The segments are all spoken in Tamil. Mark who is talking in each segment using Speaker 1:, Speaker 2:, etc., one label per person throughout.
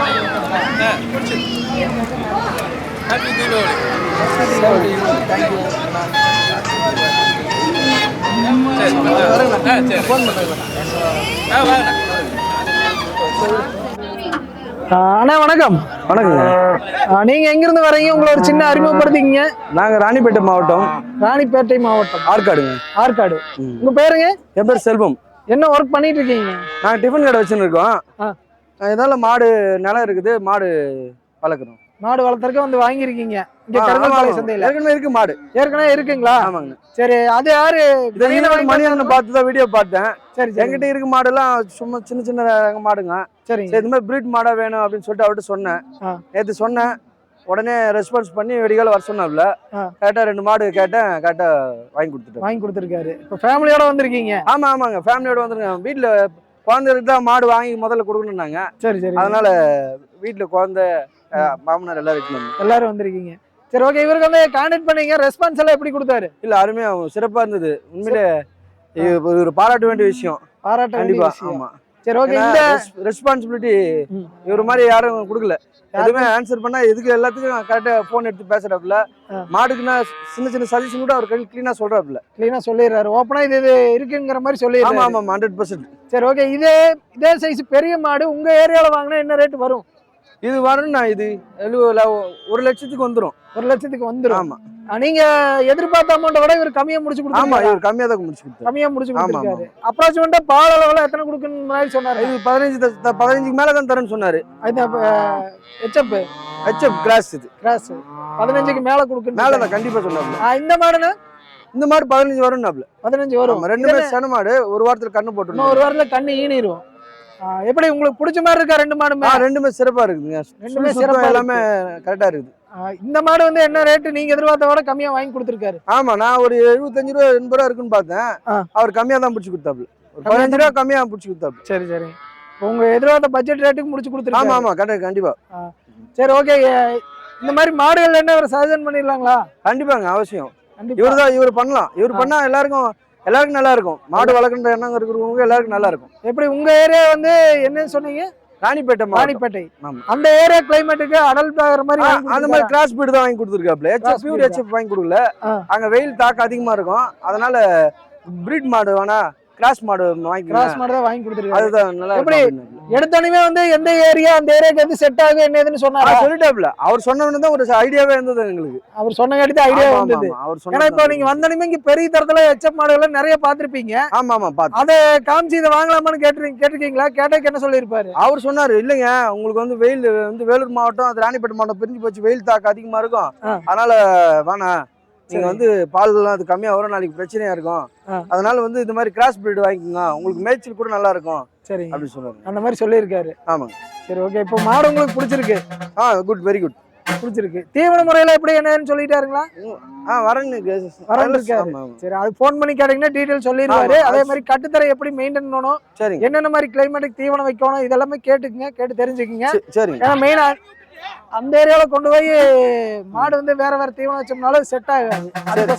Speaker 1: ஹாப்பி தீபாவளி.
Speaker 2: அண்ணா வணக்கம்.
Speaker 3: வணக்கங்க.
Speaker 2: நீங்க எங்கிருந்து வரீங்க? உங்களை ஒரு சின்ன அறிமுகப்படுத்திக்கிங்க.
Speaker 3: நாங்க ராணிப்பேட்டை மாவட்டம்.
Speaker 2: ராணிப்பேட்டை மாவட்டம்.
Speaker 3: ஆற்காடுங்க.
Speaker 2: ஆற்காடு. உங்க பேருங்க?
Speaker 3: என் பேர் செல்வம்.
Speaker 2: என்ன ஒர்க் பண்ணிட்டு இருக்கீங்க?
Speaker 3: நாங்கள் டிஃபன் கடை வச்சுன்னு இருக்கோம். இதனால மாடு நிலம் இருக்குது, மாடு வளர்க்குறோம்.
Speaker 2: மாடு வளர்த்துறதுக்கு வந்து வாங்கியிருக்கீங்க இங்க கருங்கல்பாளைய சந்தையில?
Speaker 3: ஏற்கனவே இருக்கு மாடு.
Speaker 2: ஏற்கனவே இருக்குங்களா?
Speaker 3: ஆமாங்க.
Speaker 2: சரி, அது யாரு?
Speaker 3: மணியன் பார்த்து தான் வீடியோ பார்த்தேன்.
Speaker 2: சரி,
Speaker 3: என்கிட்ட இருக்க மாடுலாம் சும்மா சின்ன சின்ன மாடுங்க.
Speaker 2: சரி,
Speaker 3: இது மாதிரி பிரீட் மாடா வேணும் அப்படின்னு சொல்லிட்டு அவர்கிட்ட சொன்னேன். நேற்று சொன்னேன், உடனே ரெஸ்பான்ஸ் பண்ணி வெடிகால வர சொன்னாப்ல. கரெக்டா 2 மாடு கேட்டேன், கரெக்டா வாங்கி கொடுத்துருக்காரு.
Speaker 2: இப்போ ஃபேமிலியோட வந்திருக்கீங்க?
Speaker 3: ஆமாங்க, ஃபேமிலியோட வந்துருக்கேன். வீட்டுல குழந்தைகளுக்கு தான் மாடு வாங்கி முதல்ல கொடுக்கணும்னாங்க.
Speaker 2: சரி சரி.
Speaker 3: அதனால வீட்டுல குழந்தை மாமனார்
Speaker 2: எல்லாரும் வந்திருக்கீங்க. சரி, ஓகே. இவருக்கு வந்து கான்டாக்ட் பண்ணீங்க, ரெஸ்பான்ஸ் எல்லாம் எப்படி கொடுத்தாரு?
Speaker 3: இல்ல, அருமையா சிறப்பா இருந்தது. உண்மையிலே ஒரு பாராட்ட வேண்டிய விஷயம்.
Speaker 2: பாராட்ட
Speaker 3: கண்டிப்பா. ஆமா.
Speaker 2: சரி, ஓகே. இந்த
Speaker 3: ரெஸ்பான்சிபிலிட்டி இவர் மாதிரி யாரும் கொடுக்கல. எதுவுமே ஆன்சர் பண்ணா எதுக்கு எல்லாத்துக்கும் கரெக்டா போன் எடுத்து பேசுறாப்புல. மாடுக்குன்னா சின்ன சின்ன சஜஷன் கூட அவர் கிளீனா சொல்றாப்புல.
Speaker 2: கிளீனா சொல்லிடுறாரு. ஓப்பனா இது இருக்குங்கிற மாதிரி சொல்லிடுறாரு.
Speaker 3: ஆமா 100%.
Speaker 2: சரி, ஓகே. இதே சைஸ் பெரிய மாடு உங்க ஏரியால வாங்கினா என்ன ரேட் வரும்?
Speaker 3: இது வரும்ண்ணா, இது 1 லட்சத்துக்கு வந்துடும்.
Speaker 2: 1 லட்சத்துக்கு வந்துடும்.
Speaker 3: ஆமா.
Speaker 2: நீங்க எதிர்பார்த்த அமௌண்ட விட இவர் கம்மியா முடிச்சு கொடுத்தாரு.
Speaker 3: ஆமா, இவர் கம்மியா தான் முடிச்சு கொடுத்தாரு.
Speaker 2: கம்மியா முடிச்சு கொடுத்தாரு. அப்ராக்சிமேட்டா பால் அளவுல எத்தனை கொடுக்கணும் மாதிரி சொன்னாரு?
Speaker 3: இது 15க்கு மேல தான் தரேன்னு சொன்னாரு. HF cross. இது
Speaker 2: கிராஸ் 15க்கு மேல கொடுக்கணும்.
Speaker 3: மேல தான் கண்டிப்பா சொன்னாரு.
Speaker 2: இந்த மாடுனா?
Speaker 3: இந்த மாடு 15 வரும்னாப்ல.
Speaker 2: 15 வரும்.
Speaker 3: ரெண்டுமே சன மாடு. ஒரு வாரத்துல கண்ணு போட்டுரும்.
Speaker 2: ஒரு வாரத்துல கண்ணு ஈனிரும். எப்படி உங்களுக்கு பிடிச்ச மாதிரி இருக்கா 2 மாடுமே?
Speaker 3: ரெண்டுமே சிறப்பா இருக்குங்க.
Speaker 2: ரெண்டுமே சிறப்பா,
Speaker 3: எல்லாமே கரெக்டா இருக்குது.
Speaker 2: இந்த மாடு வந்து என்ன ரேட் நீங்க எதிர்பார்த்த விட கம்மியா வாங்கி கொடுத்துருக்காரு?
Speaker 3: ஆமா, நான் ஒரு 75 ரூபா 80 ரூபா இருக்குன்னு பார்த்தேன். அவர் கம்மியா தான் பிடிச்சி கொடுத்தாப்ல. 15 ரூபா கம்மியா பிடிச்சி கொடுத்தாப்ல.
Speaker 2: சரி சரி. உங்க எதிர்பார்த்த பட்ஜெட் ரேட்டுக்கு முடிச்சு கொடுத்துருக்காரு.
Speaker 3: ஆமா கண்டிப்பா.
Speaker 2: சரி, ஓகே. இந்த மாதிரி மாடுகள் என்ன ஒரு சஜஷன் பண்ணிடலாங்களா?
Speaker 3: கண்டிப்பாங்க, அவசியம். இவர் பண்ணலாம். இவர் பண்ணா எல்லாருக்கும் நல்லா இருக்கும். மாடு வளர்க்குற எண்ணம் இருக்கிறவங்க எல்லாருக்கும் நல்லா இருக்கும்.
Speaker 2: எப்படி உங்க ஏரியா வந்து என்ன சொன்னீங்க? ராணிப்பேட்டை. அந்த ஏரியா கிளைமேட்டுக்கு அடல்ட் ஆகிற மாதிரி
Speaker 3: அந்த மாதிரி கிராஸ் பீட் தான் வாங்கி கொடுத்துருக்காப்ல. ஹெச்எஃப் வாங்கி கொடுக்கல. அங்க வெயில் தாக்கம் அதிகமா இருக்கும். அதனால பிரீட் மாடு வேணா, கிராஸ் மாடு தான்
Speaker 2: வாங்கி கொடுத்துருக்காரு.
Speaker 3: அதுதான் நல்லா.
Speaker 2: எப்படி எடுத்தோடனே வந்து எந்த ஏரியா அந்த ஏரியாக்கு வந்து செட் ஆகும் என்னதுன்னு சொன்னாரு?
Speaker 3: சொல்லிட்டாப்ல. அவர் சொன்னவனே தான் ஒரு ஐடியாவே இருந்தது எங்களுக்கு.
Speaker 2: அவர் சொன்ன கேட்டு ஐடியா வந்தது. ஏன்னா இப்போ நீங்க வந்தோடனே இங்க பெரிய தரத்துல ஹெச்எப் மாடுகள் நிறைய பாத்திருப்பீங்க.
Speaker 3: ஆமா பாத்து.
Speaker 2: அதை காமிச்சு இதை வாங்கலாமான்னு கேட்டிருக்கீங்களா? கேட்டதுக்கு என்ன சொல்லியிருப்பாரு?
Speaker 3: அவர் சொன்னாரு, இல்லைங்க உங்களுக்கு வந்து வெயில் வந்து வேலூர் மாவட்டம், அது ராணிப்பேட்டை மாவட்டம் பிரிஞ்சு போச்சு, வெயில் தாக்கம் அதிகமா இருக்கும். அதனால வேணாம், நீங்க வந்து பால்லாம் அது கம்மியா வரும், நாளைக்கு பிரச்சனையா இருக்கும். அதனால வந்து இந்த மாதிரி கிராஸ் பிரீட் வாங்கிக்கோங்க, உங்களுக்கு மேய்ச்சல் கூட நல்லா இருக்கும். சரி அப்படி சொன்னாரு. அந்த மாதிரி சொல்லியிருக்காரு. ஆமாங்க. சரி, ஓகே. இப்போ மாடு உங்களுக்கு பிடிச்சிருக்கு? Good, very good. பிடிச்சிருக்கு. தீவன முறையில எப்படி என்னன்னு சொல்லிட்டாருங்களா? வரேன்னு. சரி, அது போன் பண்ணி கேட்டீங்கன்னா டீடைல் சொல்லிடுவாரு. அதே மாதிரி கட்டுத்தரை எப்படி மெயின்டைன் பண்ணணும், சரி, என்னென்ன மாதிரி கிளைமேட்டுக்கு தீவனம் வைக்கணும், இதெல்லாமே கேட்டுக்குங்க, கேட்டு தெரிஞ்சுக்குங்க. சரி. ஏன்னா மெயினா அந்த ஏரியால கொண்டு போய் மாடு வந்து வேற தீவனம் வச்சோம்னாலும் செட் ஆகாது.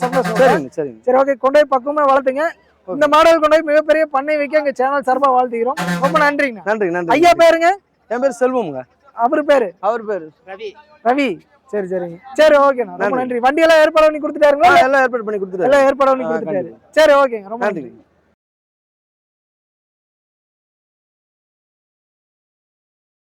Speaker 3: சரி, ஓகே. கொண்டு போய் பக்குவமா வளர்த்துங்க. இந்த மாடுகள் கொண்டு போய் மிகப்பெரிய பண்ணை வைக்க எங்க சேனல் சார்பா வாழ்த்துக்கிறோம். ரொம்ப நன்றிங்க. நன்றி. ஐயா பேருங்க? என் பேர் செல்வம்ங்க. அவர் பேரு ரவி. சரி சரிங்க. சரி, ஓகேண்ணா, ரொம்ப நன்றி. வண்டி எல்லாம் ஏற்பாடு பண்ணி கொடுத்துட்டாருங்களா? எல்லாம் ஏற்பாடு பண்ணி கொடுத்துட்டாரு. சரி, ஓகேங்க, ரொம்ப நன்றி.